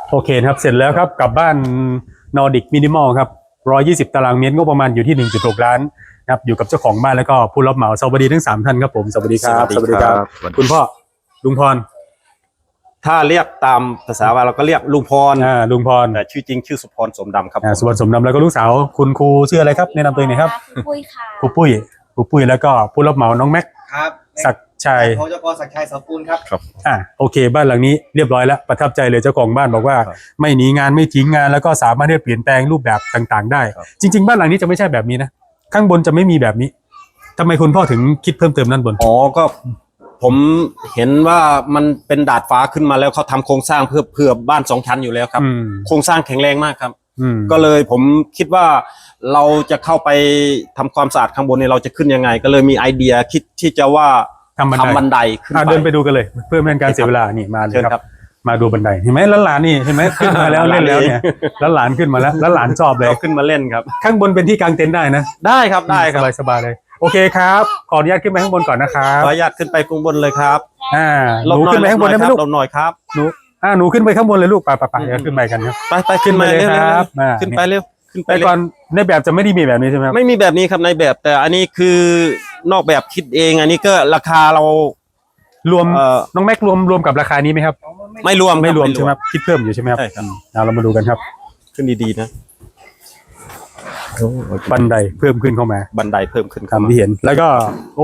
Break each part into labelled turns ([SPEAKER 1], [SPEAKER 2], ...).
[SPEAKER 1] โอเคครับเสร็จแล้วครับกลับบ้านนอร์ดิกมินิมอลครับ120 ตารางเมตรงบประมาณอยู่ที่ 1.6 ล้านครับอยู่กับเจ้าของบ้านแล้วก็ผู้รับเหมาสวัสดีทั้ง3ท่านครับผมสวัสดีครับ
[SPEAKER 2] สวัสดีครับ
[SPEAKER 1] คุณพ่อลุงพร
[SPEAKER 2] ถ้าเรียกตามภาษาว่าเราก็เรียกลุงพร
[SPEAKER 1] ลุงพร
[SPEAKER 2] แต่ชื่อจริงชื่อสุพรสมดำครับ
[SPEAKER 1] สุวรรณสมดำแล้วก็ลูกสาวคุณครูชื่ออะไรครับแนะนำตัวเองหน่อยครับ
[SPEAKER 3] ครูปุ้ยค่ะ
[SPEAKER 1] ครูปุ้ยแล้วก็ผู้รับเหมาน้องแม็ก
[SPEAKER 4] ครับ
[SPEAKER 1] ศักดิ์ชัย
[SPEAKER 4] ของเจ้ากรศักดิ์ชัยเสาปูนครับ
[SPEAKER 1] โอเคบ้านหลังนี้เรียบร้อยแล้วประทับใจเลยเจ้าของบ้านบอกว่าไม่หนีงานไม่ทิ้งงานแล้วก็สามารถที่จะเปลี่ยนแปลงรูปแบบต่างๆได้จริงๆบ้านหลังนี้จะไม่ใช่แบบนี้นะข้างบนจะไม่มีแบบนี้ทำไมคุณพ่อถึงคิดเพิ่มเติมด้านบน
[SPEAKER 2] ก็ผมเห็นว่ามันเป็นดาดฟ้าขึ้นมาแล้วเขาทำโครงสร้างเพื่อบ้าน2 ชั้นอยู่แล้วครับโครงสร้างแข็งแรงมากครับก็เลยผมคิดว่าเราจะเข้าไปทำความสะอาดข้างบนนี่เราจะขึ้นยังไงก็เลยมีไอเดียคิดที่จะว่าทำบันไดขึ้นไป
[SPEAKER 1] เดินไปดูกันเลยเพื่อไม่เป็นการเสียเวลานี่มาเลยครับมาดูบันไดเห็นไหมหลานนี่เห็นไหมขึ้นมาแล้วเล่นแล้วเนี่ยหลานขึ้นมาแล้วหลานชอบเลย
[SPEAKER 2] ขึ้นมาเล่นครับ
[SPEAKER 1] ข้างบนเป็นที่กางเต็นท์ได้นะ
[SPEAKER 2] ได้ครับได้ครับ
[SPEAKER 1] สบายเลยโอเคครับขออนุญาตขึ้นไปข้างบนก่อนนะครับ
[SPEAKER 2] ขออนุญาตขึ้นไปข้างบนเลยครับ
[SPEAKER 1] หนูขึ้นไปข้างบนได้ไหมลูก
[SPEAKER 2] หน่อยครับ
[SPEAKER 1] หนูขึ้นไปข้างบนเลยลูกไปเดี๋ยวขึ้นไปกันครับ
[SPEAKER 2] ไปขึ้นมาเลยครับขึ้นไปเร็ว
[SPEAKER 1] แต่ก่อนในแบบจะไม่ได้มีแบบนี้ใช่ไหมครับ
[SPEAKER 2] ไม่มีแบบนี้ครับในแบบแต่อันนี้คือนอกแบบคิดเองอันนี้ก็ราคาเรา
[SPEAKER 1] รวมน้องแม็กรวมกับราคานี้ไหมครับ
[SPEAKER 2] ไม่รวม
[SPEAKER 1] ใช่ไหมคิดเพิ่มอยู่ใช่ไหมครับเรามาดูกันครับ
[SPEAKER 2] ขึ้นดีๆนะ
[SPEAKER 1] บันไดเพิ่มขึ้นเข้ามา
[SPEAKER 2] บันไดเพิ่มขึ้น
[SPEAKER 1] ตามที่เห็นแล้วก็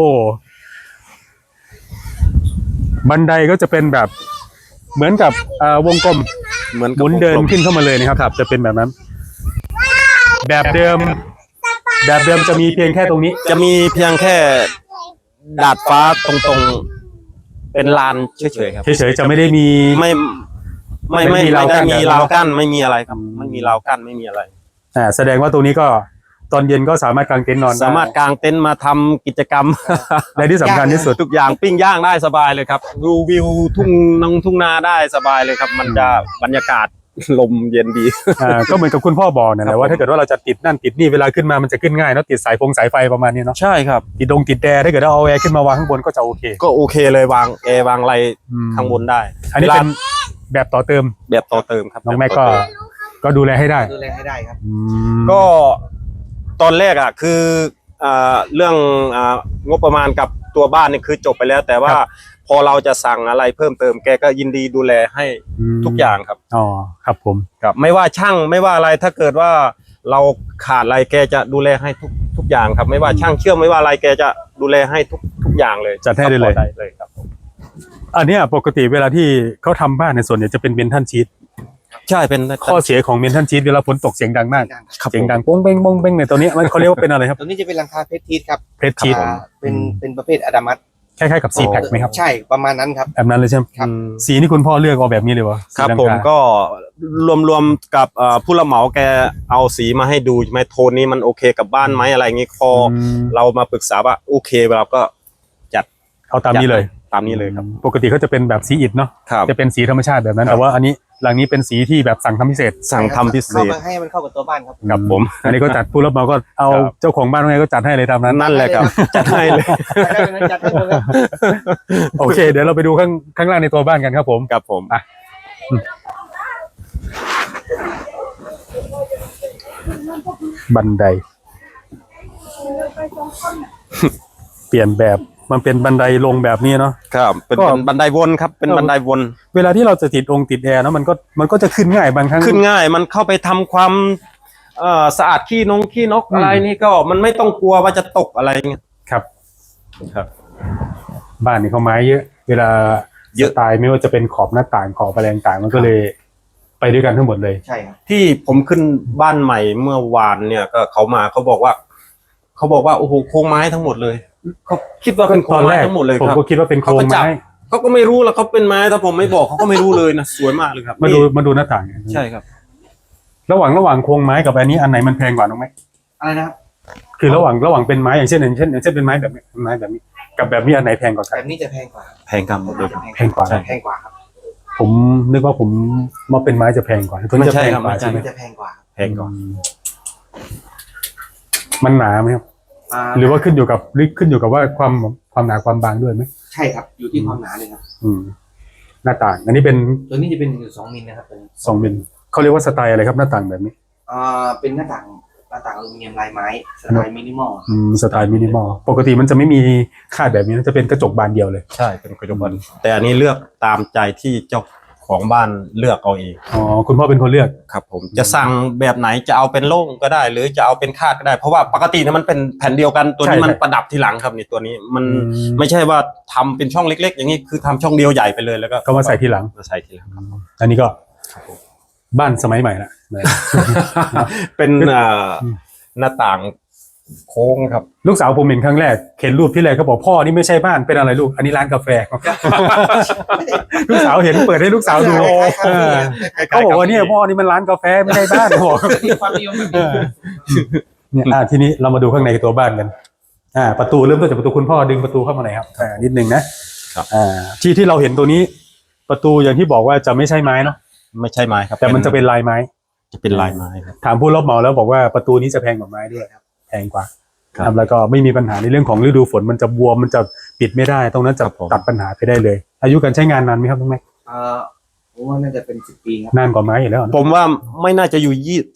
[SPEAKER 1] บันไดก็จะเป็นแบบเหมือนกับวงกลม
[SPEAKER 2] เหมือน
[SPEAKER 1] หมุนเดินขึ้นเข้ามาเลยนะครับจะเป็นแบบนั้นแบบเดิมจะมีเพียงแค่ตรงนี้
[SPEAKER 2] จะมีเพียงแค่ดาดฟ้าตรงๆเป็นลานเฉยๆครับ
[SPEAKER 1] เฉยๆจะไม่ได้มี
[SPEAKER 2] ไม่มีราวกั้นไม่มีอะไรครับไม่มีราวกั้นไม่มีอะไร
[SPEAKER 1] แสดงว่าตรงนี้ก็ตอนเย็นก็สามารถกางเต็นท์นอน
[SPEAKER 2] สามารถกางเต็นท์มาทำกิจกรรม
[SPEAKER 1] และที่สำคัญที่สุด
[SPEAKER 2] ทุกอย่างปิ้งย่างได้สบายเลยครับดูวิวทุ่งนาได้สบายเลยครับมันจะบรรยากาศลมเย็นดี
[SPEAKER 1] ก็เหมือนกับคุณพ่อบอกนั่นแหละว่าถ้าเกิดว่าเราจะติดนั่นติดนี่เวลาขึ้นมามันจะขึ้นง่ายเนาะติดสายไฟประมาณนี้เนาะ
[SPEAKER 2] ใช่ครับ
[SPEAKER 1] ติดแอร์ถ้าเกิดเอาแอร์ขึ้นมาวางข้างบนก็จะโอเค
[SPEAKER 2] เลยวางแอร์วางอะไรข้างบนได้
[SPEAKER 1] อันนี้เป็นแบบต่อเติม
[SPEAKER 2] ครับ
[SPEAKER 1] น้องแม่ก็ดูแลให้ได้
[SPEAKER 4] ครับ
[SPEAKER 2] ก็ตอนแรกคือเรื่องงบประมาณกับตัวบ้านนี่คือจบไปแล้วแต่ว่าพอเราจะสั่งอะไรเพิ่มเติมแกก็ยินดีดูแลให้ทุกอย่างครับ
[SPEAKER 1] ครับผม
[SPEAKER 2] ครับไม่ว่าช่างไม่ว่าอะไรถ้าเกิดว่าเราขาดอะไรแกจะดูแลให้ทุกอย่างครับไม่ว่าช่างเชื่อมไม่ว่าอะไรแกจะดูแลให้ทุกอย่างเลย
[SPEAKER 1] จัดให้ได้
[SPEAKER 2] เลยครับ
[SPEAKER 1] อันนี้ปกติเวลาที่เขาทำบ้านในส่วนใหญ่จะเป็นเมนทัลชีท
[SPEAKER 2] ใช่เป็น
[SPEAKER 1] ข้อเสียของเมนทัลชีทเวลาฝนตกเสียงดังมากเสียงดังโป้งเป้งในตัวนี้มันเขาเรียกว่าเป็นอะไรครับ
[SPEAKER 4] ตัวนี้จะเป็นหลังคาเพชรชีทครับ
[SPEAKER 1] เพชรชีท
[SPEAKER 4] เป็นประเภทอะดามัส
[SPEAKER 1] คล้ายๆกับซีแพ็คไหมครับ
[SPEAKER 4] ใช่ประมาณนั้นครับ
[SPEAKER 1] แบบนั้นเลยใช่ไหม
[SPEAKER 4] ครับ
[SPEAKER 1] สีนี่คุณพ่อเลือกเอาแบบนี้เลยวะ
[SPEAKER 2] ครับผมก็รวมกับผู้รับเหมาแกเอาสีมาให้ดูไหมโทนนี้มันโอเคกับบ้านไหมอะไรอย่างงี้พอเรามาปรึกษาว่าโอเคเราก็จัด
[SPEAKER 1] เอาตามนี้เลย
[SPEAKER 2] ครับ
[SPEAKER 1] ปกติเขาจะเป็นแบบสีอิฐเนาะจะเป็นสีธรรมชาติแบบนั้นแต่ว่าอันนี้หลังนี้เป็นสีที่แบบสั่งทำพิเศษ
[SPEAKER 4] ให้มันเข้ากับตัวบ้านครับ
[SPEAKER 1] ครับผมอันนี้ก็จัดผู้รับเหมาก็เอาเจ้าของบ้านไงก็จัดให้เลยตามนั้น
[SPEAKER 2] นั่นแหละครับจัดให้เลย
[SPEAKER 1] โอเคเดี๋ยวเราไปดูข้างล่างในตัวบ้านกันครับผมบันไดเปลี่ยนแบบมันเป็นบันไดลงแบบนี้เนาะ
[SPEAKER 2] ครับเป็นบันไดวนครับเป็นบันไดวน
[SPEAKER 1] เวลาที่เราจะติดแอร์เนาะมันก็จะขึ้นง่ายบางครั้ง
[SPEAKER 2] ขึ้นง่ายมันเข้าไปทำความสะอาดขี้นกอะไรนี่ก็มันไม่ต้องกลัวว่าจะตกอะไรเงี้ย
[SPEAKER 1] ครับบ้านนี่เขาไม้เยอะเวลาเยอะตายไม่ว่าจะเป็นขอบหน้าต่างขอบอะไรต่างมันก็เลยไปด้วยกันทั้งหมดเลย
[SPEAKER 4] ใช่ครับ
[SPEAKER 2] ที่ผมขึ้นบ้านใหม่เมื่อวานเนี่ยก็เขาบอกว่าโอ้โหโครงไม้ทั้งหมดเลยเขาคิดว่าเป็นโครงไม้ทั้งหมดเลยครับ
[SPEAKER 1] ผมก็คิดว่าเป็นโครงไม้
[SPEAKER 2] เขาก็ไม่รู้แล้วเขาเป็นไม้ถ้าผมไม่บอกเขาก็ไม่รู้เลยนะสวยมากเลยครับ
[SPEAKER 1] มาดูหน้าต่าง
[SPEAKER 2] ใช่ครับ
[SPEAKER 1] ระหว่างโครงไม้กับอันนี้อันไหนมันแพงกว่าน้องไหม
[SPEAKER 4] อะไรนะครับ
[SPEAKER 1] คือระหว่างเป็นไม้อย่างเช่นเป็นไม้แบบนี้กับแบบนี้อันไหนแพงกว่ากัน
[SPEAKER 4] แบบนี้จะแพงกว่า
[SPEAKER 2] ครับ
[SPEAKER 1] แพงกว่า
[SPEAKER 4] ครับ
[SPEAKER 1] ผมนึกว่าผมมาเป็นไม้จะแพงกว่า
[SPEAKER 2] ตัวนี้จะแพงกว่า
[SPEAKER 4] ใช่ไหมจะแพงกว่า
[SPEAKER 1] มันหนาไหมครับหรือว่าขึ้นอยู่กับว่าความหนาความบางด้วยไหม
[SPEAKER 4] ใช่ครับอยู่ที่ความหนาเลยครับ
[SPEAKER 1] หน้าต่าง อันนี้เป็น
[SPEAKER 4] ตัวนี้จะเป็นอยู่2 มิลนะครับตัวนี้
[SPEAKER 1] 2 มิลเขาเรียกว่าสไตล์อะไรครับหน้าต่างแบบนี้
[SPEAKER 4] เป็นหน้าต่างอลูมิเนียมลายไม้สไตล์มินิมอล
[SPEAKER 1] สไตล์มินิมอลปกติมันจะไม่มีคาดแบบนี้นะจะเป็นกระจกบานเดียวเลย
[SPEAKER 2] ใช่เป็นกระจกบานแต่อันนี้เลือกตามใจที่เจ้าของบ้านเลือกเอาเอง
[SPEAKER 1] อ๋อคุณพ่อเป็นคนเลือก
[SPEAKER 2] ครับผมจะสั่งแบบไหนจะเอาเป็นโล่งก็ได้ หรือจะเอาเป็นคาดก็ได้เพราะว่าปกติเนี่ยมันเป็นแผ่นเดียวกันตัวนี้
[SPEAKER 1] ใช่
[SPEAKER 2] มันประดับทีหลังครับนี่ตัวนี้มัน
[SPEAKER 1] อืม
[SPEAKER 2] ไม่ใช่ว่าทำเป็นช่องเล็ก ๆ อย่างนี้คือทำช่องเดียวใหญ่ไปเลยแล้วก็
[SPEAKER 1] ก็มาใส่ทีหลัง
[SPEAKER 2] มาใส่ทีหลังครับ
[SPEAKER 1] อันนี้ก็
[SPEAKER 2] ครับผม
[SPEAKER 1] บ้านสมัยใหม่ละ
[SPEAKER 2] เป็นหน้าต่างโค้งครับ
[SPEAKER 1] ลูกสาวผมเห็นครั้งแรกเห็นรูปที่แรกเขาบอกพ่อนี่ไม่ใช่บ้านเป็นอะไรลูกอันนี้ร้านกาแฟ ลูกสาวเห็นเปิดให้ลูกสาวดู
[SPEAKER 4] คล้ายๆคาเฟ่
[SPEAKER 1] เขาบอกว่าเนี่ยพ่อนี่มันร้านกาแฟไม่ใช่บ้านบอก
[SPEAKER 4] มีความนิยมแบบนี้
[SPEAKER 1] เนี่ยทีนี้เรามาดูข้างในตัวบ้านกันประตูเริ่มต้นจากประตูคุณพ่อดึงประตูเข้ามาหน่อยครับนิดนึงนะครับ ที่เราเห็นตัวนี้ประตูอย่างที่บอกว่าจะไม่ใช่ไม้เนาะ
[SPEAKER 2] ไม่ใช่ไม้ครับ
[SPEAKER 1] แต่มันจะเป็นลายไม้
[SPEAKER 2] จะเป็นลายไม้ครับ
[SPEAKER 1] ถามผู้รับเหมาแล้วบอกว่าประตูนี้จะแพงกว่าไม้ด้วยครับแพงกว่า
[SPEAKER 2] ครับ
[SPEAKER 1] แล้วก็ไม่มีปัญหาในเรื่องของฤดูฝนมันจะบวมมันจะปิดไม่ได้ตรงนั้นจะ
[SPEAKER 2] ครับผม
[SPEAKER 1] ตัดปัญหาไปได้เลย อายุการใช้งานนานไหมครับน้องแม็ก
[SPEAKER 4] ผมว่าน่าจะเป็น10 ปีครับ
[SPEAKER 1] นานกว่าไม้อยู่แล้วนะ
[SPEAKER 2] ผมว่าไม่น่าจะอยู่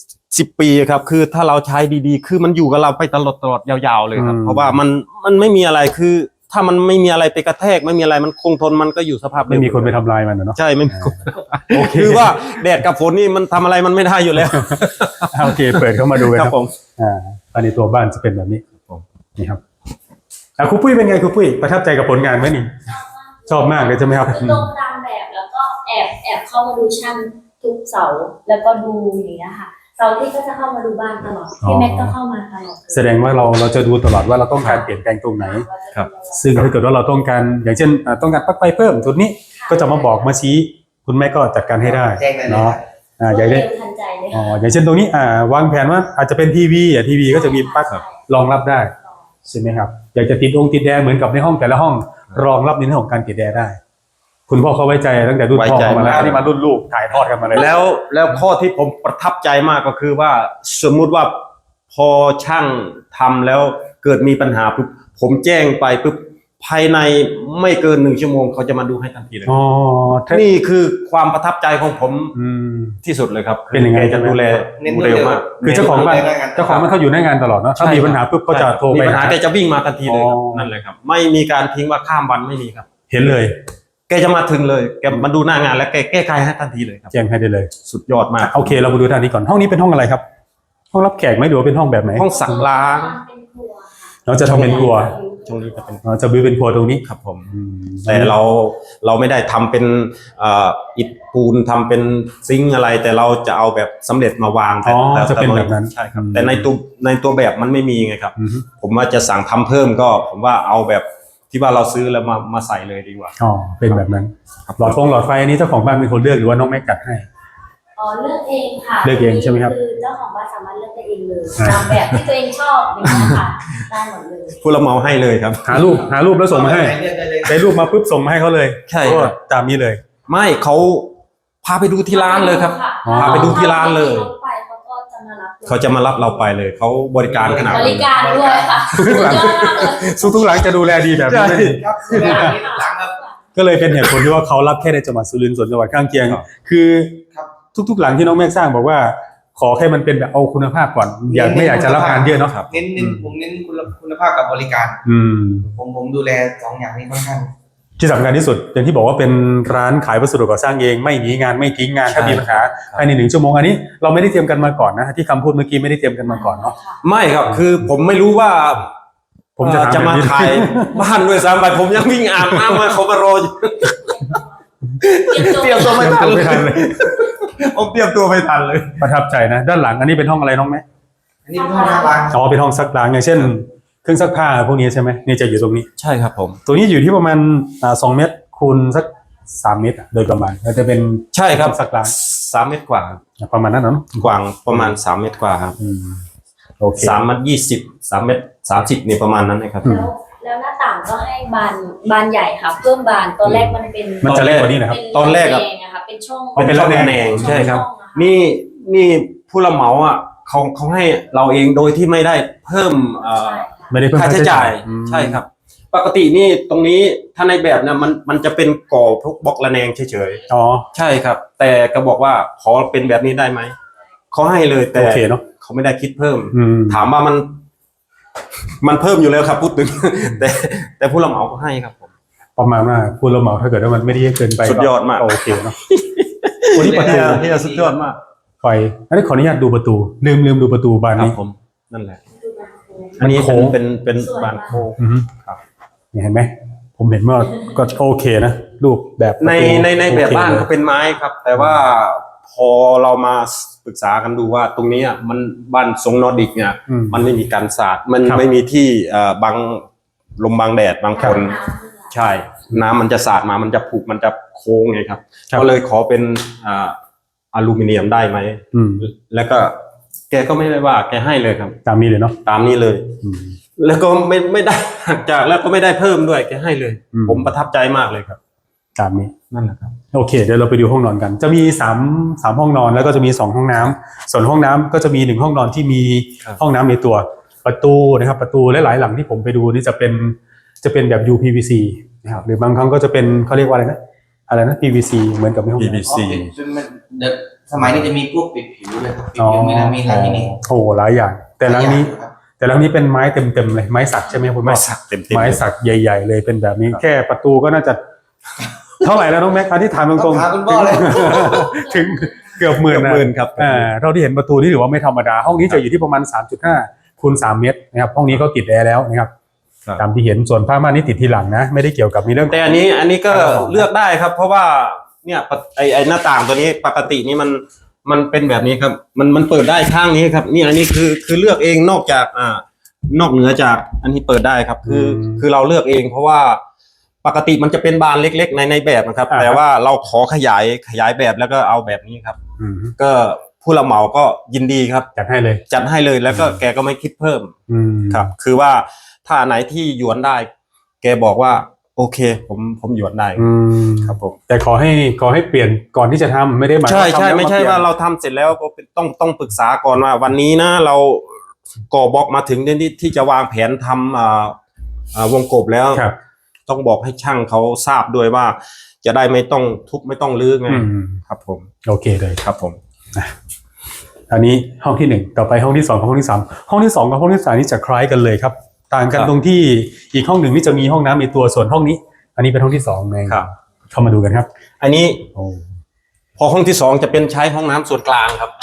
[SPEAKER 2] 20 ปีครับคือถ้าเราใช้ดีๆ คือมันอยู่กับเราไปตลอดยาวๆเลยครับเพราะว่ามันไม่มีอะไรคือ ถ้ามันไม่มีอะไรไปกระแทกไม่มีอะไรมันคงทนมันก็อยู่สภาพเดิ
[SPEAKER 1] ไม่มีคนไปทำลายมันอะเนาะ
[SPEAKER 2] ใช่ไม่มีคน
[SPEAKER 1] โอเค
[SPEAKER 2] คือว่าแดดกับฝนนี่มันทำอะไรมันไม่ได้อยู่แล้ว
[SPEAKER 1] โอเคเปิดเข้ามาดูกัน
[SPEAKER 2] ค
[SPEAKER 1] ค
[SPEAKER 2] รั
[SPEAKER 1] รั
[SPEAKER 2] บบ ผม
[SPEAKER 1] ภายในตัวบ้านจะเป็นแบบนี้
[SPEAKER 2] ผม
[SPEAKER 1] นี่ครับครูปุ้ยเป็นไงครูปุ้ยประทับใจกับผลงานไหมนี่ชอบมากเลยใช่ไหมครับ
[SPEAKER 3] คือตรงตามแบบแล้วก็แอบเข้ามาดูช่างทุกเสาร์แล้วก็ดูอย่างเงี้ยค่ะเสาร์ที่ก็จะเข้ามาดูบ้านตลอดพี่แม็กก็เข้ามาตลอด
[SPEAKER 1] แสดงว่าเราจะดูตลอดว่าเราต้องการเปลี่ยนแปลงตรงไหน
[SPEAKER 2] ครับ
[SPEAKER 1] ซึ่งถ้าเกิดว่าเราต้องการอย่างเช่นต้องการปลั๊กไฟเพิ่มจุดนี้ก็จะมาบอกมาชี้คุณแม่ก็จัดการให้ได้
[SPEAKER 4] แจ้งได้เลย
[SPEAKER 1] เนาะ
[SPEAKER 3] อ
[SPEAKER 1] อย่าง
[SPEAKER 3] เร็
[SPEAKER 1] เช่น
[SPEAKER 3] วทันใจเลย
[SPEAKER 1] อย่างเช่นตรงนี้วางแผนว่าอาจจะเป็นทีวีทีวีก็จะมีปลั๊กรองรับได้ใช่ไหมครับอยากจะติดติดแอร์เหมือนกับในห้องแต่ละห้องรองรับในเรื่องของการติดแอร์ได้ คุณพ่อเขาไว้ใจตั้งแต่รุ่นพ่อเขามาแล้วอันนี้มารุ่นลูกถ่ายทอดกันมาเลย
[SPEAKER 2] แล้วข้อที่ผมประทับใจมากก็คือว่าสมมุติว่าพอช่างทำแล้วเกิดมีปัญหาปุ๊บผมแจ้งไปปุ๊บภายในไม่เกิน1 ชั่วโมงเขาจะมาดูให้ทันทีเลย
[SPEAKER 1] อ๋อ
[SPEAKER 2] นี่คือความประทับใจของผม
[SPEAKER 1] อืม
[SPEAKER 2] ที่สุดเลยครับ
[SPEAKER 1] เป็นยังไง
[SPEAKER 2] แกจะดูแล
[SPEAKER 4] เน้น
[SPEAKER 2] เร็วมาก
[SPEAKER 1] คือเจ้าของบ้านเขาอยู่หน้างานตลอดเนาะถ้ามีปัญหาปุ๊บก็จะโทร
[SPEAKER 2] มี
[SPEAKER 1] ไป
[SPEAKER 2] ปัญหาแกจะวิ่งมาทันทีเลยครับ
[SPEAKER 1] อ๋อ
[SPEAKER 2] นั่นเลยครับ ไม่มีการทิ้งว่าข้ามวันไม่มีครับ
[SPEAKER 1] เห็นเลย
[SPEAKER 2] แกจะมาถึงเลยแกมาดูหน้างานแล้วแกแก้ไขให้ทันทีเลยครับ
[SPEAKER 1] แจ้งให้ได้เลย
[SPEAKER 2] สุดยอดมาก
[SPEAKER 1] โอเคเรามาดูด้านนี้ก่อนห้องนี้เป็นห้องอะไรครับ ห้องรับแขกไหมหรือว่าเป็นห้องแบบไหน
[SPEAKER 2] ห้องสักล้าง
[SPEAKER 3] เป็นครัวค่ะ
[SPEAKER 1] เราจะทำเป็นครัว
[SPEAKER 2] ช่วงนี้จะเป็น
[SPEAKER 1] เราจะบิวเป็นครัวตรงนี้
[SPEAKER 2] ครับผม
[SPEAKER 1] อืม
[SPEAKER 2] แต่เราไม่ได้ทำเป็นอิฐปูนทำเป็นซิงค์อะไร แต่เราจะเอาแบบสำเร็จมาวาง
[SPEAKER 1] อ๋อ
[SPEAKER 2] แต่
[SPEAKER 1] จะเป็นแบบนั้น
[SPEAKER 2] ใช่ครับแต่ในตัวแบบมันไม่มีไงครับ
[SPEAKER 1] อืม
[SPEAKER 2] ผมว่าจะสั่งทำเพิ่มก็ผมว่าเอาแบบที่ว่าเราซื้อแล้วมาใส่เลยดีกว่า
[SPEAKER 1] อ๋อเป็นแบบนั้นหลอดไฟอันนี้เจ้าของบ้านเป็นคนเลือกหรือว่าน้องแม็กจัดให้
[SPEAKER 3] อ๋อเลือกเองค่ะ
[SPEAKER 1] เลือกเองใช่ไหมครับ
[SPEAKER 3] คือเจ้าของบ้านสามารถเลือกได้เองเลยตามแบบที่ตัวเองชอบอย่างเงี้ยค่ะได้หมดเลย
[SPEAKER 2] ผู้รับเหมาให้เลยครับ
[SPEAKER 1] หารูปแล้วส่งมาให้
[SPEAKER 4] เลือกได้เลย
[SPEAKER 1] ได้รูปมาปุ๊บส่งมาให้เขาเลย
[SPEAKER 2] ใช่ครับ
[SPEAKER 1] ก็ตามนี้เลย
[SPEAKER 2] ไม่เขาพาไปดูที่ร้านเลยครับ
[SPEAKER 1] อ๋อ
[SPEAKER 2] พาไปดูที่ร้านเลย
[SPEAKER 3] ไปเขาก็จะมารับ
[SPEAKER 2] เขาจะมารับเราไปเลยเขาบริการขนาด
[SPEAKER 3] บ
[SPEAKER 2] นั้น
[SPEAKER 3] ริการด้วยค่ะสุดยอดมากเลย
[SPEAKER 1] ทุกหลังจะดูแลดีแบบนี้
[SPEAKER 2] ใช่
[SPEAKER 4] ครับเลือกได้หลังครับ
[SPEAKER 1] ก็เลยเป็นเหตุผลที่ว่าเขารับแค่ในจังหวัดสุรินทร์ส่วนจังหวัดข้างเคียง
[SPEAKER 2] ครับ
[SPEAKER 1] คือ
[SPEAKER 4] ครับ
[SPEAKER 1] ทุกๆหลังที่น้องแม็กสร้างบอกว่า ขอแค่มันเป็นแบบเอาคุณภาพก่อนไม่อยากจะรับงานเยอะเนาะ
[SPEAKER 4] เน้นผมเน้นคุณภาพกับบริการ
[SPEAKER 1] อืม
[SPEAKER 4] ผมดูแล2 อย่างนี้ค่อนข้าง
[SPEAKER 1] ที่สำคัญที่สุดอย่างที่บอกว่าเป็นร้านขายวัสดุก่อสร้างเองไม่หนีงานไม่ทิ้งงานถ้ามีปัญหาภายใน1 ชั่วโมงอันนี้เราไม่ได้เตรียมกันมาก่อนนะที่คำพูดเมื่อกี้ไม่ได้เตรียมกันมาก่อนเนาะ
[SPEAKER 2] ไม่ครับคือผมไม่รู้ว่า
[SPEAKER 1] ผมจะ
[SPEAKER 2] จะ
[SPEAKER 1] ทำ
[SPEAKER 2] มา
[SPEAKER 1] แบบนี้
[SPEAKER 2] ขายบ้านด้วยซ้ำไปผมยังวิ่งอาบน้ำมาเขามารออยู่ เตรียมตัวไม่ทัน
[SPEAKER 1] ไม่ทันเลย
[SPEAKER 2] ผมเตรียมตัวไม่ทันเลย
[SPEAKER 1] ประทับใจนะ ด้านหลังอันนี้เป็นห้องอะไรน้องแม่
[SPEAKER 4] อันนี้เป็นห้องน้ำล้าง
[SPEAKER 1] อ๋อเป็นห้องซักล้างอย่างเช่นเครื่องซักผ้าพวกนี้ใช่ไหมนี่จะอยู่ตรงนี้
[SPEAKER 2] ใช่ครับผม
[SPEAKER 1] ตัวนี้อยู่ที่ประมาณ2 เมตรคูณสัก3 เมตรโดยประมาณแล้วจะเป็น
[SPEAKER 2] ใช่ครับ
[SPEAKER 1] ซักล้าง
[SPEAKER 2] 3 เมตรกว่า
[SPEAKER 1] ประมาณนั้นเนาะ
[SPEAKER 2] กว้างประมาณ3 เมตรกว่าครับ
[SPEAKER 1] โอเค
[SPEAKER 2] 3 เมตร 20 3 เมตร 30นี่ประมาณนั้นนะครับ
[SPEAKER 3] แล้วหน้าต่างก็ให้บานใหญ่ค่ะเพิ่มบานตอนแรกมันเป็น
[SPEAKER 1] มันจะเล็กกว่านี้นะครับ
[SPEAKER 2] ตอนแรกอะ
[SPEAKER 3] เป็นอะค่ะเป็นช่อง
[SPEAKER 1] เป็นระแนง
[SPEAKER 2] ใช่ครับ
[SPEAKER 3] ช่องอะะ
[SPEAKER 2] นี่ผู้รับเหมาอ่ะเขาให้เราเองโดยที่ไม่ได้เพิ่ม
[SPEAKER 3] ใช่ค่ะ
[SPEAKER 1] ไม่ได้เพิ่ม
[SPEAKER 2] ค่าใช้จ่าย
[SPEAKER 1] อืม
[SPEAKER 2] ใช่ครับปกตินี่ตรงนี้ถ้าในแบบเนี่ยมันจะเป็นก่อพวกบล็อกระแนงเฉย
[SPEAKER 1] อ๋อ
[SPEAKER 2] ๆใช่ครับ แต่ก็บอกว่าขอเป็นแบบนี้ได้ไหมเขาให้เลยแต่
[SPEAKER 1] โอเคเนาะ
[SPEAKER 2] เขาไม่ได้คิดเพิ่ม
[SPEAKER 1] อืม
[SPEAKER 2] ถามว่ามันเพิ่มอยู่แล้วครับพูดถึง แต่ผู้รับเหมาก็ให้ครับผม
[SPEAKER 1] ประมาณว่าพูดแล้วเหมาถ้าเกิดว่ามันไม่ได้เยอะเกินไป
[SPEAKER 2] สุดยอดมาก
[SPEAKER 1] โอเคเนาะวันนี้ประตู
[SPEAKER 2] ที่สุดยอดมาก
[SPEAKER 1] ไฟอันนี้ขออนุญาตดูประตูลืมดูประตูบาน
[SPEAKER 2] ครับ
[SPEAKER 1] นี้
[SPEAKER 2] ผมนั่นแหละ
[SPEAKER 3] ดูบางคน
[SPEAKER 2] อันนี้
[SPEAKER 1] โค้ง
[SPEAKER 2] เป็นบานโค้ง
[SPEAKER 1] อือฮึ
[SPEAKER 2] ครับ
[SPEAKER 1] เนี่ยเห็นไหมผมเห็นว่าก็โอเคนะรูปแบบประ
[SPEAKER 2] ใน
[SPEAKER 1] ตู
[SPEAKER 2] ในแบบ
[SPEAKER 1] โอเค
[SPEAKER 2] บ้าน
[SPEAKER 1] เลย
[SPEAKER 2] ก็เป็นไม้ครับ แต่ว่าพอเรามาปรึกษากันดูว่าตรงนี้อะมันบ้านทรงนอร์ดิกเนี่ย
[SPEAKER 1] อืม
[SPEAKER 2] มันไม่มีการสาดมัน
[SPEAKER 1] ครับ
[SPEAKER 2] ไม่มีที่บังลมบังแดดบางคน ใช่ น้ำมันจะสาดมามันจะผุมันจะโค้งไงครับ
[SPEAKER 1] ครับ
[SPEAKER 2] ก็เลยขอเป็นอลูมิเนียมได้ไหม
[SPEAKER 1] อืม
[SPEAKER 2] แล้วก็แกก็ไม่ได้ว่าแกให้เลยครับ
[SPEAKER 1] ตามนี้เลยเนาะ
[SPEAKER 2] ตามนี้เลย
[SPEAKER 1] อืม
[SPEAKER 2] แล้วก็ไม่ได้หักจากแล้วก็ไม่ได้เพิ่มด้วยแกให้เลย
[SPEAKER 1] อืม
[SPEAKER 2] ผมประทับใจมากเลยครับ
[SPEAKER 1] ตามนี้
[SPEAKER 2] นั่นแหละครับ
[SPEAKER 1] โอเคเดี๋ยวเราไปดูห้องนอนกัน จะมี3ห้องนอนแล้วก็จะมี2ห้องน้ำส่วนห้องน้ำก็จะมี1ห้องนอนที่มี
[SPEAKER 2] ครับ
[SPEAKER 1] ห้องน้ำในตัวประตูนะครับประตูหลายๆหลังที่ผมไปดูนี่จะเป็นแบบ UPVC นะครับหรือบางครั้งก็จะเป็นเขาเรียกว่าอะไรนะ PVC เหมือนกับในห้องน้ำ
[SPEAKER 2] PVC
[SPEAKER 4] จนมันเดี๋ยวสมัยนี้จะมีพวกปิดผิวเลยครับปิดผิวมีนะมีลามิเนต
[SPEAKER 1] โอ้หลายอย่าง แต่หลังนี้
[SPEAKER 4] ครับ
[SPEAKER 1] แต่หลังนี้เป็นไม้เต็มๆเลยไม้สักใช่ไหมคุณพ่อ
[SPEAKER 2] ไม้สักเต็มๆ
[SPEAKER 1] ไม้สักใหญ่ๆเลยเป็นแบบนี้แค่ประตูก็น่าจะ เท่าไหร่แล้วน้องแม็กอันที่ถามตรง
[SPEAKER 4] ต้องถามคุณพ่อเลย
[SPEAKER 1] ถึงเกือบหมื่นนะ
[SPEAKER 2] หมื่นครับ
[SPEAKER 1] เราที่เห็นประตูนี่ถือว่าไม่ธรรมดา ห้องนี้จะอยู่ที่ประมาณ 3.5 คูณ 3 เมตรนะครับห้องนี้ก็ติดแอร์แล้วนะครับ
[SPEAKER 2] ครับ
[SPEAKER 1] ตามที่เห็นส่วนผ้าม่านนี่ติดทีหลังนะ ไม่ได้เกี่ยวกับในเรื่อง
[SPEAKER 2] แต่อันนี้ก็เลือกได้ครับ เพราะว่าเนี่ยไอหน้าต่างตัวนี้ปกตินี่มันเป็นแบบนี้ครับ มันเปิดได้ข้างนี้ครับนี่อันนี้คือเลือกเองนอกจากนอกเหนือจากอันนี้เปิดได้ครับ คือเราเลือกเอง เพราะว่าปกติมันจะเป็นบานเล็กๆในแบบนะครับ แต่ว่าเราขอขยายแบบแล้วก็เอาแบบนี้ครับ
[SPEAKER 1] อืม
[SPEAKER 2] ก็ผู้รับเหมาก็ยินดีครับ
[SPEAKER 1] จัดให้เลย
[SPEAKER 2] จัดให้เลยแล้วก็แกก็ไม่คิดเพิ่ม
[SPEAKER 1] อืม
[SPEAKER 2] ครับ คือว่าถ้าอันไหนที่หยวนได้ แกบอกว่า โอเค ผมหยวนได้
[SPEAKER 1] อืม
[SPEAKER 2] ครับผม
[SPEAKER 1] แต่ขอให้เปลี่ยนก่อนที่จะทำไม่ได้หมาย
[SPEAKER 2] ใช่
[SPEAKER 1] ว่าทำ
[SPEAKER 2] ใช่
[SPEAKER 1] แล้ว
[SPEAKER 2] ไม่ใช่
[SPEAKER 1] ปลี่ยน
[SPEAKER 2] ว่าเราทำเสร็จแล้วก็ต้องปรึกษาก่อนว่า วันนี้นะเราก่อบล็อกมาถึงที่จะวางแผนทำวงกบแล้ว
[SPEAKER 1] ครับ
[SPEAKER 2] ต้องบอกให้ช่างเขาทราบด้วยว่า จะได้ไม่ต้องทุบไม่ต้องรื้อไง
[SPEAKER 1] อืม
[SPEAKER 2] ครับผม
[SPEAKER 1] โอเคเลย
[SPEAKER 2] ครับผม
[SPEAKER 1] อันนี้ห้องที่1ต่อไปห้องที่2กับห้องที่3ห้องที่2กับห้องที่3นี่จะคล้ายกันเลยครับ ต่างกัน
[SPEAKER 2] ครับ
[SPEAKER 1] ตรงที่อีกห้องหนึ่งนี่จะมีห้องน้ำในตัวส่วนห้องนี้ อันนี้เป็นห้องที่2เอง
[SPEAKER 2] ครับ
[SPEAKER 1] เข้ามาดูกันครับ
[SPEAKER 2] อันนี้
[SPEAKER 1] โอ้
[SPEAKER 2] พอห้องที่สองจะเป็นใช้ห้องน้ำส่วนกลางครับ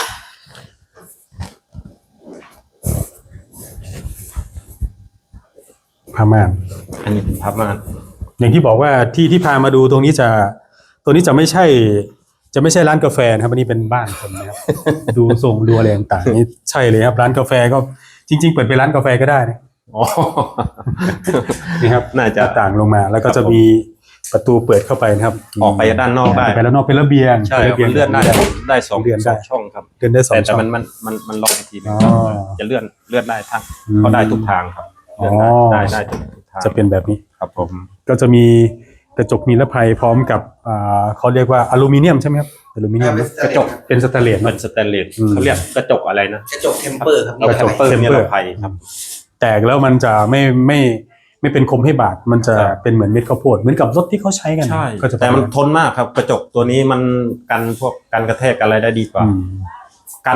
[SPEAKER 1] ผ้าม่าน
[SPEAKER 2] อันนี้เป็นพับม่าน
[SPEAKER 1] อย่างที่บอกว่าที่พามาดูตรงนี้จะไม่ใช่ร้านกาแฟนะครับอันนี้เป็นบ้านคนนะครับ ดูทรงดูอะไรต่างๆนี่ใช่เลยครับร้านกาแฟก็จริงๆเปิดเป็นร้านกาแฟก็ได้นะ
[SPEAKER 2] อ๋อ
[SPEAKER 1] นี่ครับ
[SPEAKER 2] น่าจะ
[SPEAKER 1] หต่างลงมาแล้วก็
[SPEAKER 2] ครับ
[SPEAKER 1] จะมีประตูเปิดเข้าไปนะครับ
[SPEAKER 2] ออกไปด้านนอกได้
[SPEAKER 1] ไปแล้วนอกเป็นระเบียง
[SPEAKER 2] ใช่
[SPEAKER 1] ป็ระบียง
[SPEAKER 2] มันเลื่อนได้สอง
[SPEAKER 1] เลื่อนได้
[SPEAKER 2] ช่องครับ
[SPEAKER 1] เลื่อนได้สอง
[SPEAKER 2] แต่
[SPEAKER 1] ช่อง
[SPEAKER 2] มันล็อกอีกทีนึง
[SPEAKER 1] อ๋อ
[SPEAKER 2] จะเลื่อนได้ทั้ง
[SPEAKER 1] อืม
[SPEAKER 2] เขาได้ทุกทางครับเลื่อนได้
[SPEAKER 1] อ๋อ
[SPEAKER 2] ได้ทุกทาง
[SPEAKER 1] จะเป็นแบบนี้
[SPEAKER 2] ครับผม
[SPEAKER 1] ก็จะมีกระจกนิรภัยพร้อมกับเขาเรียกว่าอลูมิเนียมใช่ไหมครับอลูมิเนียมนะ
[SPEAKER 2] กระจก
[SPEAKER 1] เป็นสแตนเลส
[SPEAKER 2] มั
[SPEAKER 1] เน
[SPEAKER 2] น
[SPEAKER 1] อะ
[SPEAKER 2] สแตนเลส
[SPEAKER 1] อืม
[SPEAKER 2] เขาเรียกกระจกอะไรนะ
[SPEAKER 4] กระจกเทมเปอร์ครับ
[SPEAKER 2] กระจก
[SPEAKER 1] เทม
[SPEAKER 2] นิ
[SPEAKER 1] เปอ
[SPEAKER 2] ร
[SPEAKER 1] ร์
[SPEAKER 2] ภัยครับ
[SPEAKER 1] แตกแล้วมันจะไม่เป็นคมให้บาดมันจะ
[SPEAKER 2] ครับ
[SPEAKER 1] เป็นเหมือนเม็ดข้าวโพดเหมือนกับรถที่เขาใช้กัน
[SPEAKER 2] ใช่
[SPEAKER 1] ก็จะ
[SPEAKER 2] แต่มันทนมากครับ กระจกตัวนี้มันกันพวกกันกระแทกอะไรได้ดีกว่า
[SPEAKER 1] อืม
[SPEAKER 2] กัน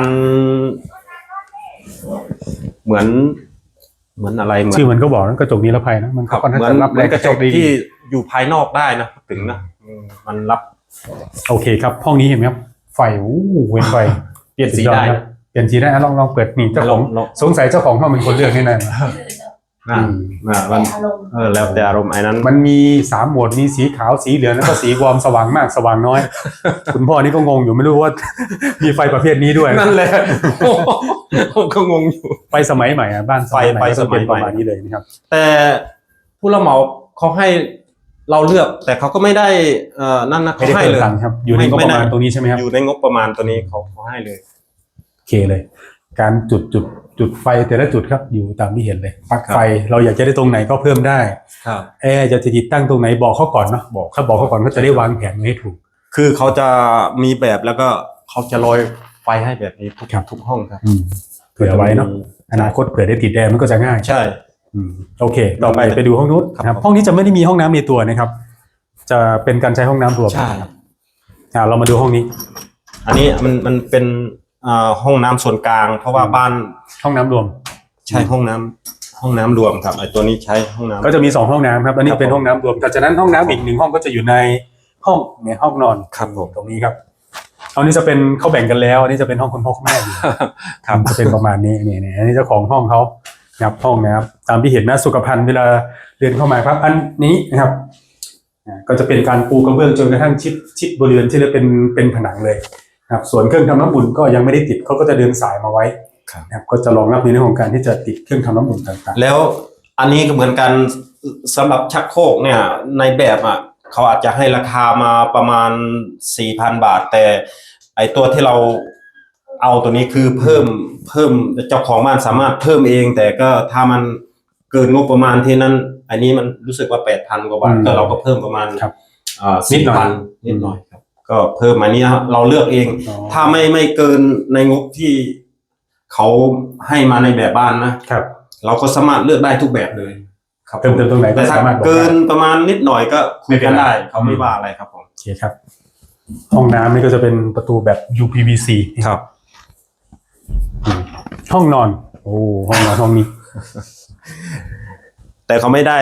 [SPEAKER 2] เหมือนอะไรเหมือน
[SPEAKER 1] ชื่อมันก็บอกนะกระจกนิรภัยนะมัน
[SPEAKER 2] ครั
[SPEAKER 1] ก็
[SPEAKER 2] บ
[SPEAKER 1] ค่อนข้าง
[SPEAKER 2] เหมือน
[SPEAKER 1] จะรับ
[SPEAKER 2] เหมือนกระจก
[SPEAKER 1] ดี
[SPEAKER 2] ที่อยู่ภายนอกได้นะถึงนะมันรับ
[SPEAKER 1] โอเคครับห้องนี้เห็นไหมครับไฟเว้นไฟ
[SPEAKER 2] เปลี่ยนสี
[SPEAKER 1] สุอ
[SPEAKER 2] ได้
[SPEAKER 1] ครับเปลี่ยนสีได้อ่ะลองเปิดนี่เจ้าของ
[SPEAKER 2] ลอง
[SPEAKER 1] สงสัยเจ้าของห้องเป็นคนเลือกแน่นอน
[SPEAKER 2] อ่ามัน
[SPEAKER 3] อารมณ์
[SPEAKER 2] แล้วแต่อารมณ์ไอ้นั้น
[SPEAKER 1] มันมี3โหมดมีสีขาวสีเหลืองแล้วก็สีวอร์มสว่างมากสว่างน้อย คุณพ่อนี่ก็งงอยู่ไม่รู้ว่า มีไฟประเภทนี้ด้วย
[SPEAKER 2] นั่นแหละผมก็งงอยู่
[SPEAKER 1] ไฟสมัยใหม่อ่ะบ้าน
[SPEAKER 2] ไฟ
[SPEAKER 1] ก็จะเป็น
[SPEAKER 2] สมัยใหม่
[SPEAKER 1] ประมาณนี้เลยนะครับ
[SPEAKER 2] แต่ผู้รับเหมาเขาให้เราเลือก แต่เขาก็ไม่ได้นั่นนะ
[SPEAKER 1] ไม่
[SPEAKER 2] เขา
[SPEAKER 1] ได้
[SPEAKER 2] ให้
[SPEAKER 1] เพิ่ม
[SPEAKER 2] เลย
[SPEAKER 1] ตังค์ครับอยู่ในงบประมาณตรงนี้ใช่ไหมครับ
[SPEAKER 2] อยู่ในงบประมาณตัวนี้เขาให้เลย
[SPEAKER 1] โอเคเลย การจุดไฟแต่ละจุดครับอยู่ตามที่เห็นเลยปลั๊ก
[SPEAKER 2] ครับ
[SPEAKER 1] ไฟเราอยากจะได้ตรงไหนก็เพิ่มได้
[SPEAKER 2] ครับ
[SPEAKER 1] แอร์จะติดตั้งตรงไหนบอกเขาก่อนเนาะบอกเขาก่อนเขาจะได้วางแผนไว้ให้ถูก
[SPEAKER 2] คือเขาจะมีแบบแล้วก็เขาจะโรยไฟให้แบบนี้ทุก
[SPEAKER 1] ครับ
[SPEAKER 2] ทุกห้องครับ
[SPEAKER 1] เผื่อไว้เนาะอนาคตเผื่อได้ติดแอร์มันก็จะง่าย
[SPEAKER 2] ใช่
[SPEAKER 1] โอเค ต่อไปดูห้องนู้น
[SPEAKER 2] ครับ
[SPEAKER 1] ครับห้องนี้จะไม่ได้มีห้องน้ำในตัวนะครับ จะเป็นการใช้ห้องน้ำรวม
[SPEAKER 2] ใช่
[SPEAKER 1] เรามาดูห้องนี้
[SPEAKER 2] อันนี้มันเป็นห้องน้ำส่วนกลาง เพราะว่าบ้าน
[SPEAKER 1] ห้องน้ำรวม
[SPEAKER 2] ใช้ห้องน้ำรวมครับไอตัวนี้ใช้ห้องน้ำ
[SPEAKER 1] ก็จะมี2ห้องน้ำครับอันนี้
[SPEAKER 2] ครับ
[SPEAKER 1] เป็นห้องน้ำรวมแต่จากนั้นห้องน้ำอีก1ห้องก็จะอยู่ในห้องเนี่ยห้องนอน
[SPEAKER 2] ครับผม
[SPEAKER 1] ตรงนี้ครับห้องนี้จะเป็นเขาแบ่งกันแล้วอันนี้จะเป็นห้องคุณพ่อคุณแม่อยู่
[SPEAKER 2] ครับ
[SPEAKER 1] จะเป็นประมาณนี้นี่อันนี้เจ้าของห้องเขานะครับห้องนะครับตามที่เห็นนะสุขภัณฑ์เวลาเดินเข้ามาครับอันนี้นะครับก็จะเป็นการปูกระเบื้องจนกระทั่งชิดบริเวณที่เรียกเป็นผนังเลยนะครับส่วนเครื่องทำน้ำอุ่นก็ยังไม่ได้ติดเขาก็จะเดินสายมาไว้นะครับก็จะรองรับในเรื่องของการที่จะติดเครื่องทำน้ำอุ่นต่างๆ
[SPEAKER 2] แล้วอันนี้ก็เหมือนกันสำหรับชักโครกเนี่ยในแบบเขาอาจจะให้ราคามาประมาณ 4,000 บาท แต่ไอตัวที่เราเอาตัวนี้คือเพิ่มเจ้าของบ้านสามารถเพิ่มเอง แต่ก็ถ้ามันเกินงบประมาณที่นั้นอันนี้มันรู้สึกว่า 8,000 กว่าบาทก็เราก็เพิ่มประมาณ
[SPEAKER 1] ครับ
[SPEAKER 2] นิดหน่อยครับก็เพิ่มอันนี้เราเลือกเอง ถ้าไม่เกินในงบที่เขาให้มาในแบบบ้านนะครับ เราก็สามารถเลือกได้ทุกแบบเลยครับ
[SPEAKER 1] เติมตรงไหนก็
[SPEAKER 2] แต่ถ้า
[SPEAKER 1] สามารถบอก
[SPEAKER 2] เกิน
[SPEAKER 1] ได้
[SPEAKER 2] ประมาณนิดหน่อยก็คุยกันได้เขาไม่ว่าอะไรครับผม
[SPEAKER 1] โอเคครับ ห้องน้ำนี่ก็จะเป็นประตูแบบ UPVC
[SPEAKER 2] ครับ
[SPEAKER 1] ห้องนอนโอ้ห้องนอนห้องนี้
[SPEAKER 2] แต่เขาไม่ได้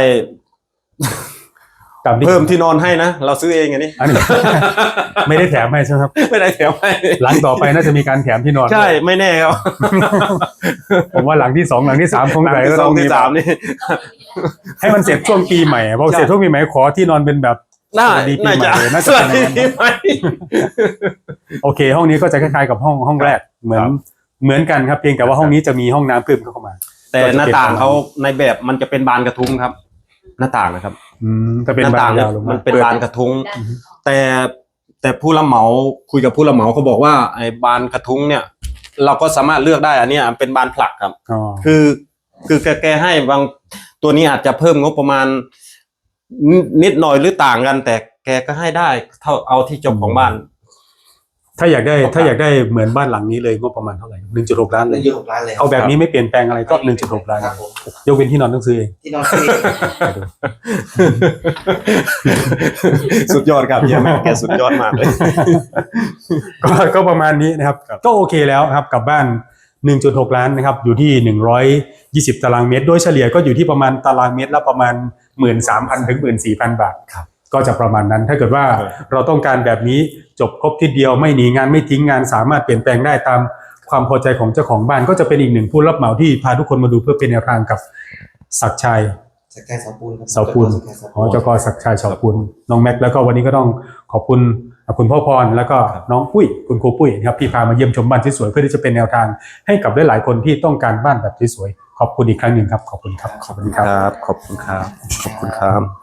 [SPEAKER 1] ตามที่
[SPEAKER 2] เพิ่มที่นอนให้นะเราซื้อเองอันนี้
[SPEAKER 1] อันนี้ ไม่ได้แถมให้ใช่ไหมครับ
[SPEAKER 2] ไม่ได้แถมให้
[SPEAKER 1] หลังต่อไปน่าจะมีการแถมที่นอน
[SPEAKER 2] ใช่ไม่แน่ครับ
[SPEAKER 1] ผมว่าหลังที่2หลังที่3คง
[SPEAKER 2] หลัง
[SPEAKER 1] ไหน
[SPEAKER 2] ที่
[SPEAKER 1] ก็
[SPEAKER 2] ส
[SPEAKER 1] ต้
[SPEAKER 2] อ
[SPEAKER 1] อง ง
[SPEAKER 2] ที่
[SPEAKER 1] มี
[SPEAKER 2] สามนี่
[SPEAKER 1] ให้มันเสร็จช่วงปีใหม่พอเสร็จช่วงปีใหม่ขอที่นอนเป็นแบบ
[SPEAKER 2] น่า
[SPEAKER 1] สวัสดีปี
[SPEAKER 2] น่า
[SPEAKER 1] ใหม่
[SPEAKER 2] จะ
[SPEAKER 1] เลยน่า
[SPEAKER 2] ส
[SPEAKER 1] จะ
[SPEAKER 2] วั
[SPEAKER 1] เป็
[SPEAKER 2] ส
[SPEAKER 1] นอย่างนั้น
[SPEAKER 2] ดีปีใหม่
[SPEAKER 1] โอเค ห้องนี้ก็จะคล้ายๆกับห้องแรกเหมือนกันครับเพียงแต่ว่าห้องนี้จะมีห้องน้ำเพิ่มเข้ามา
[SPEAKER 2] แต่หน้าต่างเขาในแบบมันจะเป็นบานกระทุ้งครับ หน้าต่างนะครับ
[SPEAKER 1] จะเป็น
[SPEAKER 2] หน้า
[SPEAKER 1] บา
[SPEAKER 2] ต่าง
[SPEAKER 1] น
[SPEAKER 2] เนี่ย
[SPEAKER 1] ยาวลง
[SPEAKER 2] มั
[SPEAKER 1] มาน
[SPEAKER 2] เป็นบานกระทุ้ง
[SPEAKER 3] ด้านของ
[SPEAKER 2] แต่ผู้รับเหมาคุยกับผู้รับเหมาเขาบอกว่าไอ้บานกระทุ้งเนี่ย เราก็สามารถเลือกได้อันเนี้ยเป็นบานผลักครับ
[SPEAKER 1] อ๋อ
[SPEAKER 2] คือแกให้บางตัวนี้อาจจะเพิ่มงบประมาณนิดหน่อยหรือต่างกัน แต่แกก็ให้ได้เท่าเอาที่เจ้าของบ้าน
[SPEAKER 1] ถ้าอยากได้เหมือนบ้านหลังนี้เลยงบประมาณเท่าไหร่ 1.6 ล้านเลย
[SPEAKER 4] 1.6 ล้านเลย
[SPEAKER 1] เอาแบบนี้ไม่เปลี่ยนแปลงอะไรก็ 1.6 ล้าน
[SPEAKER 4] ครับผม
[SPEAKER 1] ยกเว้นที่นอนต้องซื้อเอง
[SPEAKER 4] ที่นอนฟรี
[SPEAKER 2] สุดยอดครับเยี่ยมแกสุดยอดมากเลย
[SPEAKER 1] ก็ประมาณนี้นะครับก็โอเคแล้วครับกับบ้าน 1.6 ล้านนะครับอยู่ที่120ตารางเมตรโดยเฉลี่ยก็อยู่ที่ประมาณตารางเมตรละประมาณ 13,000 ถึง 14,000 บาทก็จะประมาณนั้นถ้าเกิดว่าเราต้องการแบบนี้จบครบทีเดียวไม่หนีงานไม่ทิ้งงานสามารถเปลี่ยนแปลงได้ตามความพอใจของเจ้าของบ้านก็จะเป็นอีกหนึ่งผู้รับเหมาที่พาทุกคนมาดูเพื่อเป็นแนวทางกับศักดิ์ชัย
[SPEAKER 4] สักแค่เสาปูนครับ
[SPEAKER 1] เสาปูนเจ้ากอศักดิ์ชัยเสาปูนน้องแม็กแล้วก็วันนี้ก็ต้องขอบคุณคุณพ่อพรแล้วก็น้องปุ้ยคุณครูปุ้ยนะครับที่พามาเยี่ยมชมบ้านที่สวยเพื่อที่จะเป็นแนวทางให้กับหลายๆคนที่ต้องการบ้านแบบที่สวยขอบคุณอีกครั้งหนึ่งครับขอบคุณครับ
[SPEAKER 2] ขอบคุณครับขอบคุณครับขอบคุณครับ